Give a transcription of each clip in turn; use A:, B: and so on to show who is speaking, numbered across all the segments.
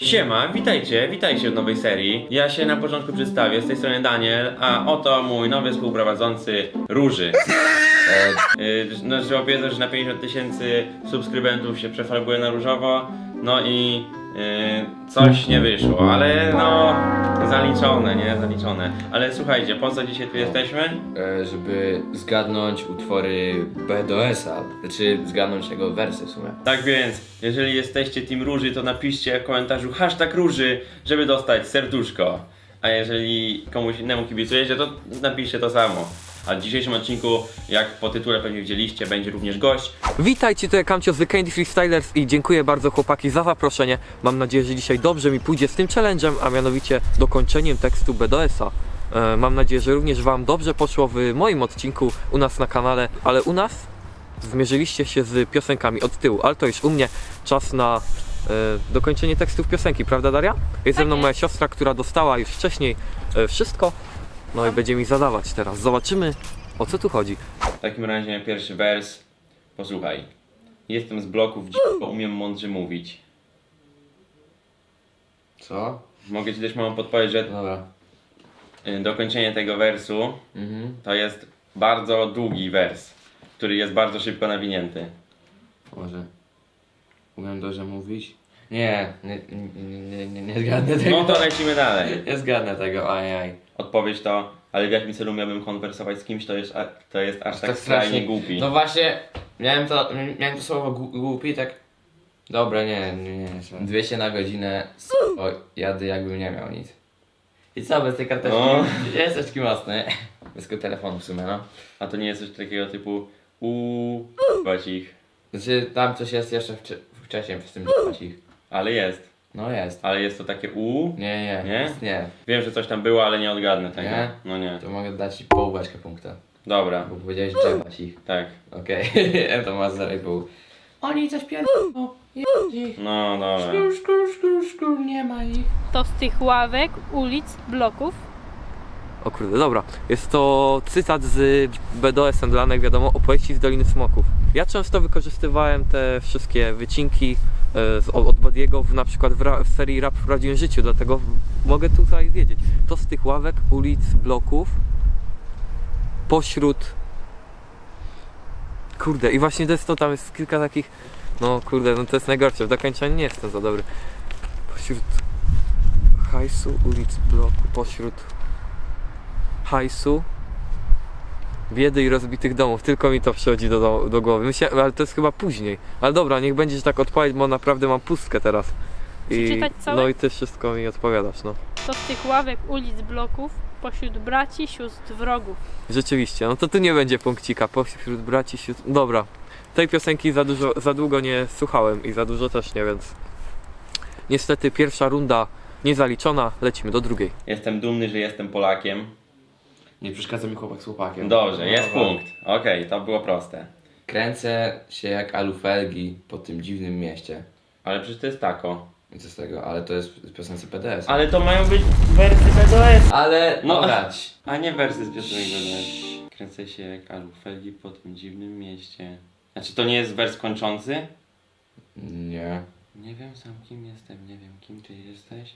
A: Siema, witajcie w nowej serii. Ja się na początku przedstawię, z tej strony Daniel, a oto mój nowy współprowadzący Róży. No, trzeba powiedzieć, że na 50 tysięcy subskrybentów się przefarbuje na różowo, no i coś nie wyszło, ale no zaliczone, nie? Zaliczone. Ale słuchajcie, po co dzisiaj tu jesteśmy?
B: Żeby zgadnąć utwory BDS-a, znaczy zgadnąć jego wersy w sumie.
A: Tak więc, jeżeli jesteście Team Róży, to napiszcie w komentarzu #Róży, żeby dostać serduszko. A jeżeli komuś innemu kibicujecie, to napiszcie to samo. A w dzisiejszym odcinku, jak po tytule pewnie widzieliście, będzie również gość.
C: Witajcie, to ja Kamcio z The Candy Freestylers i dziękuję bardzo chłopaki za zaproszenie. Mam nadzieję, że dzisiaj dobrze mi pójdzie z tym challenge'em, a mianowicie dokończeniem tekstu BDS-a. Mam nadzieję, że również wam dobrze poszło w moim odcinku u nas na kanale, ale u nas zmierzyliście się z piosenkami od tyłu, ale to już u mnie czas na dokończenie tekstów piosenki, prawda Daria? Jest ze mną moja siostra, która dostała już wcześniej wszystko, no i będzie mi zadawać teraz. Zobaczymy, o co tu chodzi.
A: W takim razie pierwszy wers. Posłuchaj. Jestem z bloków, bo umiem mądrze mówić.
B: Co?
A: Mogę ci też małą podpowiedź, że
B: Dobra.
A: dokończenie tego wersu to jest bardzo długi wers, który jest bardzo szybko nawinięty.
B: Może. Umiem dobrze mówić? Nie zgadnę tego.
A: No to lecimy dalej.
B: Nie zgadnę tego, ajaj.
A: Odpowiedź to, ale w jakim celu miałbym konwersować z kimś, to jest aż tak
B: Tak
A: skrajnie
B: strasznie
A: głupi.
B: No właśnie, miałem to słowo głupi, tak. Dobra, nie. 200 na godzinę, jadę jakbym nie miał nic. I co, bez tej karteczki?
A: No.
B: Jest taki mocny. Bez tego telefonu w sumie, no.
A: A to nie jest coś takiego typu ich.
B: Znaczy, tam coś jest jeszcze wcześniej w tym ich.
A: Ale jest.
B: No jest.
A: Ale jest to takie
B: Nie? Nie.
A: Wiem, że coś tam było, ale nie odgadnę tego.
B: Nie?
A: No nie.
B: To mogę dać ci połóweczkę punkta.
A: Dobra,
B: Bo powiedziałeś drzewać ich.
A: tak.
B: Okej, to masz 0,5. Oni coś pierdolą. Ich.
A: No dobra.
B: Szkur, nie ma ich.
D: To z tych ławek, ulic, bloków.
C: O kurde, dobra. Jest to cytat z BDS-em dla Lanek, wiadomo, opowieści z Doliny Smoków. Ja często wykorzystywałem te wszystkie wycinki od Badiego na przykład w serii Rap w prawdziwym życiu, dlatego mogę tutaj wiedzieć. To z tych ławek, ulic, bloków, pośród... Kurde, i właśnie to jest to, tam jest kilka takich... No kurde, no to jest najgorsze, w dokończeniu nie jestem za dobry. Pośród hajsu, ulic, bloku, pośród hajsu, biedy i rozbitych domów. Tylko mi to przychodzi do głowy. Myślę, ale to jest chyba później. Ale dobra, niech będzie, że tak odpowiedź, bo naprawdę mam pustkę teraz.
D: Przeczytać całe?
C: No i ty wszystko mi odpowiadasz, no.
D: To z tych ławek, ulic, bloków. Pośród braci, sióstr, wrogów.
C: Rzeczywiście, no to tu nie będzie punkcika. Pośród braci, sióstr... Dobra. Tej piosenki za długo nie słuchałem i za dużo też nie, więc... Niestety pierwsza runda niezaliczona, lecimy do drugiej.
A: Jestem dumny, że jestem Polakiem.
B: Nie przeszkadza mi chłopak z chłopakiem.
A: Dobrze, jest
B: Dobra.
A: punkt. Okej, to było proste.
B: Kręcę się jak alufelgi po tym dziwnym mieście.
A: Ale przecież to jest tako.
B: I co z tego? Ale to jest z piosenki PDS.
A: Ale to mają być wersy BDS.
B: Ale
A: No.
B: grać.
A: A nie wersy z piosenek BDS. Kręcę się jak alufelgi po tym dziwnym mieście. Znaczy to nie jest wers kończący?
B: Nie.
A: Nie wiem sam kim jestem, nie wiem kim ty jesteś.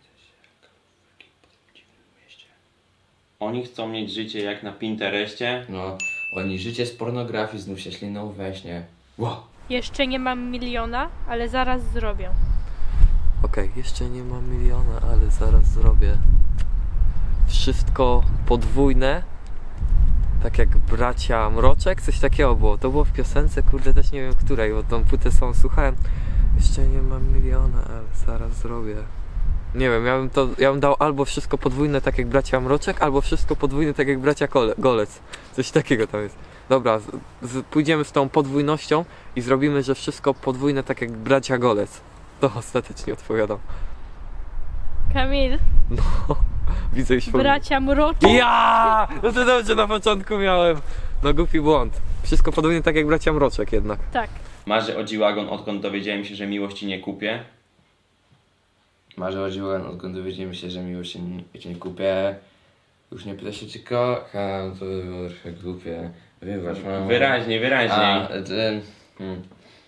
A: Oni chcą mieć życie jak na Pinterestie.
B: No. Oni życie z pornografii znów się śliną we śnie. Wow.
D: Jeszcze nie mam miliona, ale zaraz zrobię.
C: Okej, jeszcze nie mam miliona, ale zaraz zrobię. Wszystko podwójne. Tak jak bracia Mroczek, coś takiego było. To było w piosence, kurde, też nie wiem której, bo tą płytę samą słuchałem. Jeszcze nie mam miliona, ale zaraz zrobię. Nie wiem, ja bym dał albo wszystko podwójne tak jak bracia Mroczek, albo wszystko podwójne tak jak bracia Golec. Coś takiego tam jest. Dobra, pójdziemy z tą podwójnością i zrobimy, że wszystko podwójne tak jak bracia Golec. To ostatecznie odpowiadam.
D: Kamil,
C: No, widzę już
D: bracia mroczki.
C: Ja! No to dobrze, na początku miałem. No głupi błąd. Wszystko podwójnie tak jak bracia Mroczek jednak.
D: Tak.
A: Marzę o G-Wagon, odkąd dowiedziałem się, że miłości nie kupię.
B: Marzę o dziłem, odkąd dowiedziałem się, że miłość się nie kupię. Już nie pyta się, czy kocham, to by było trochę głupie. Wybacz, mamo.
A: Wyraźniej.
B: A,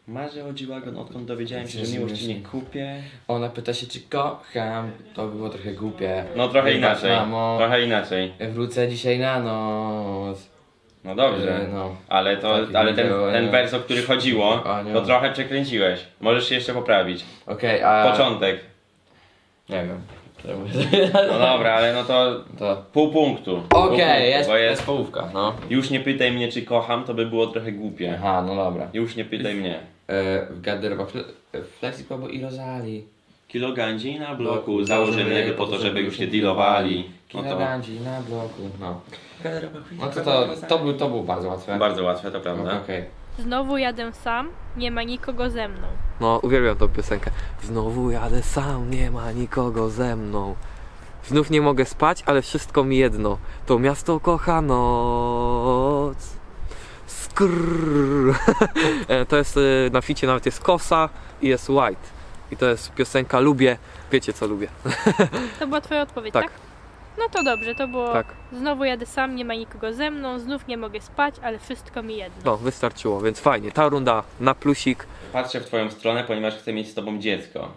A: Marzę o G-Wagon, odkąd dowiedziałem się, że miłości nie kupię.
B: Ona pyta się, czy kocham. To by było trochę głupie.
A: No trochę
B: Wybacz,
A: inaczej,
B: mamo.
A: trochę inaczej.
B: Wrócę dzisiaj na noc.
A: No dobrze,
B: No.
A: ale
B: Tak,
A: ale
B: było,
A: ten
B: nie?
A: wers, o który chodziło,
B: Kochanie.
A: to trochę przekręciłeś. Możesz się jeszcze poprawić.
B: Okej, a...
A: Początek.
B: Nie wiem.
A: No dobra, ale no to
B: To...
A: pół punktu.
B: Okej, jest,
A: Bo
B: jest połówka, no.
A: Już nie pytaj mnie, czy kocham, to by było trochę głupie.
B: Aha, no dobra.
A: Już nie pytaj mnie.
B: W garderobach Flexipobu i Rozali.
A: Kilo gandzi na bloku, założymy po to, żeby już nie dealowali. No to
B: Kilogandzi na bloku, no. No to był bardzo łatwe.
A: bardzo łatwe, to prawda.
B: Okej.
D: Znowu jadę sam, nie ma nikogo ze mną.
C: No, uwielbiam tą piosenkę. Znowu jadę sam, nie ma nikogo ze mną. Znów nie mogę spać, ale wszystko mi jedno. To miasto kocha noc. Skrrr. To jest na ficie nawet jest Kosa i jest White. I to jest piosenka Lubię. Wiecie co lubię.
D: To była twoja odpowiedź,
C: Tak.
D: tak? No to dobrze, to było
C: Tak.
D: znowu jadę sam, nie ma nikogo ze mną, znów nie mogę spać, ale wszystko mi jedno.
C: No, wystarczyło, więc fajnie. Ta runda na plusik.
A: Patrzę w twoją stronę, ponieważ chcę mieć z tobą dziecko.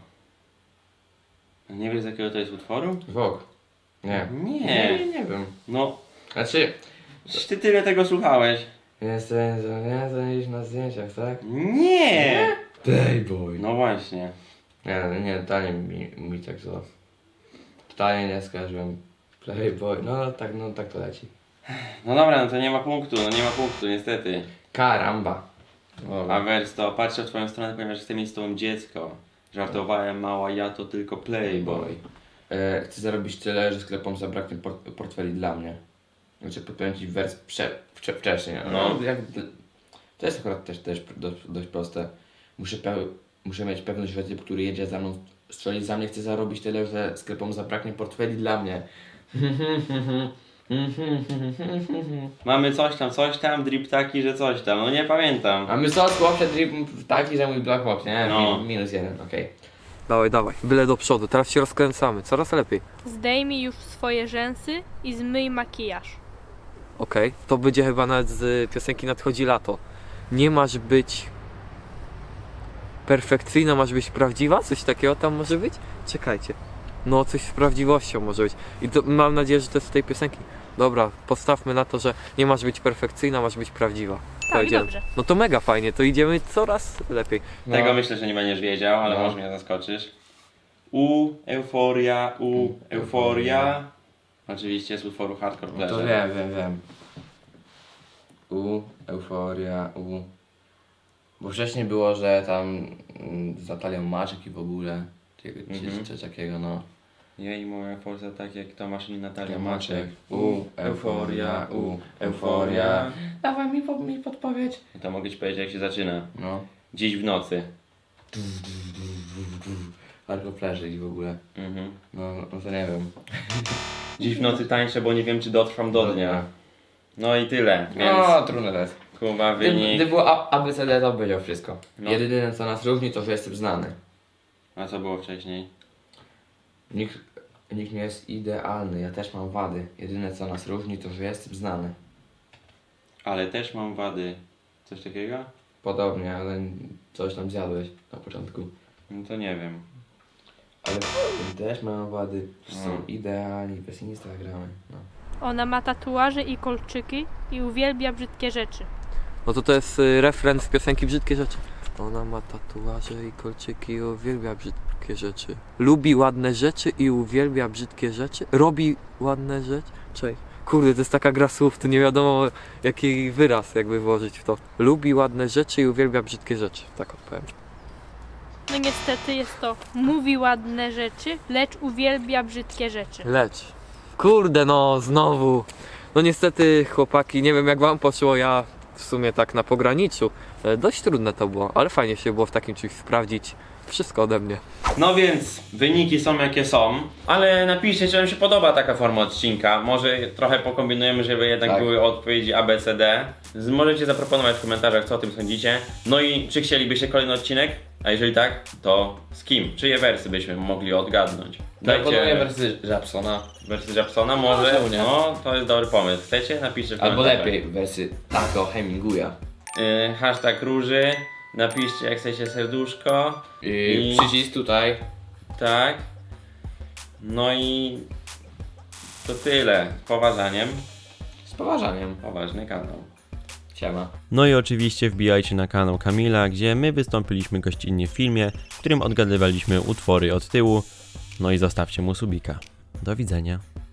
A: Nie wiesz, z jakiego to jest utworu?
B: Vogue. Nie. Nie wiem.
A: No,
B: Znaczy...
A: ty tyle tego słuchałeś.
B: Jestem na zdjęciach, tak?
A: Nie!
B: Playboy.
A: No właśnie.
B: Nie, totalnie mi tak to... Totalnie nie skojarzyłem. Playboy, no tak to leci.
A: No dobra, no to nie ma punktu, niestety.
B: Karamba.
A: A wers to patrzę w twoją stronę, ponieważ chcę mieć z tobą dziecko. Żartowałem, mała, ja to tylko playboy.
B: Chcę zarobić tyle, że sklepom zabraknie portfeli dla mnie. Znaczy podpowiem ci wers wcześniej.
A: No.
B: To jest akurat też dość proste. Muszę mieć pewność, że typ, który jedzie za mną, strzeli za mnie, chce zarobić tyle, że sklepom zabraknie portfeli dla mnie.
A: Mamy coś tam, drip taki, że coś tam, no nie pamiętam.
B: A my co, chłopcze, drip taki, że mój black box, nie?
A: No.
B: Minus jeden, okej.
C: Dawaj, dawaj. Byle do przodu. Teraz się rozkręcamy. Coraz lepiej.
D: Zdejmij już swoje rzęsy i zmyj makijaż.
C: Okej. To będzie chyba nawet z piosenki Nadchodzi lato. Nie masz być perfekcyjna, masz być prawdziwa? Coś takiego tam może być? Czekajcie. No, coś z prawdziwością może być. I to, mam nadzieję, że to jest z tej piosenki. Dobra, postawmy na to, że nie masz być perfekcyjna, masz być prawdziwa.
D: Tak,
C: idziemy.
D: dobrze.
C: No to mega fajnie, to idziemy coraz lepiej.
B: No.
A: Tego myślę, że nie będziesz wiedział, ale
B: No.
A: może mnie zaskoczysz. Euforia. Oczywiście z utworu Hardcore
B: No to
A: Pleasure.
B: wiem. Euforia, Bo wcześniej było, że tam z Natalią Maczek i w ogóle, coś takiego, no.
A: Jej, moja forza tak jak Tomasz i Natalia
B: Maczek.
A: Maczek.
B: Euforia. Dawaj mi podpowiedź.
A: To mogę ci powiedzieć jak się zaczyna.
B: No.
A: Dziś w nocy.
B: Hardcore Pleasure i w ogóle. No to nie wiem.
A: Dziś w nocy tańczę, bo nie wiem czy dotrwam do dnia. No i tyle, więc
B: No, trudno to jest.
A: Kuba
B: Gdy
A: wynik.
B: było ABCD, to powiedział wszystko.
A: No.
B: Jedyne co nas różni, to że jestem znany.
A: A co było wcześniej?
B: Nikt nie jest idealny, ja też mam wady. Jedyne co nas różni, to że jestem znany.
A: Ale też mam wady. Coś takiego?
B: Podobnie, ale coś tam zjadłeś na początku.
A: No to nie wiem.
B: Ale też mam wady, że są idealni, bez Instagramy. No.
D: Ona ma tatuaże i kolczyki i uwielbia brzydkie rzeczy.
C: No to jest refren z piosenki Brzydkie Rzeczy. Ona ma tatuaże i kolczyki i uwielbia brzydkie rzeczy. Lubi ładne rzeczy i uwielbia brzydkie rzeczy. Robi ładne rzeczy. Cześć. Kurde, to jest taka gra słów, tu nie wiadomo jaki wyraz jakby włożyć w to. Lubi ładne rzeczy i uwielbia brzydkie rzeczy. Tak odpowiem.
D: No niestety jest to mówi ładne rzeczy, lecz uwielbia brzydkie rzeczy.
C: Lecz. Kurde no, znowu. No niestety chłopaki, nie wiem jak wam poszło, ja w sumie tak na pograniczu. Dość trudne to było, ale fajnie się było w takim czymś sprawdzić. Wszystko ode mnie.
A: No więc wyniki są jakie są, ale napiszcie czy wam się podoba taka forma odcinka. Może trochę pokombinujemy, żeby jednak
B: Tak.
A: były odpowiedzi A, B, C, D. Możecie zaproponować w komentarzach co o tym sądzicie. No i czy chcielibyście kolejny odcinek? A jeżeli tak, to z kim? Czyje wersy byśmy mogli odgadnąć?
B: Proponuję wersję Japsona.
A: Wersy Japsona może?
B: czemu nie?
A: No, to jest dobry pomysł. Chcecie? Napiszcie w
B: Albo
A: komentarzach.
B: lepiej wersję Taco Hemingwaya.
A: Hashtag róży. napiszcie jak chcecie serduszko.
B: I przycisk tutaj.
A: Tak. No i to tyle. Z poważaniem.
B: Z poważaniem.
A: Poważny kanał.
B: Siema.
E: No i oczywiście wbijajcie na kanał Kamila, gdzie my wystąpiliśmy gościnnie w filmie, w którym odgadywaliśmy utwory od tyłu. No i zostawcie mu subika. Do widzenia.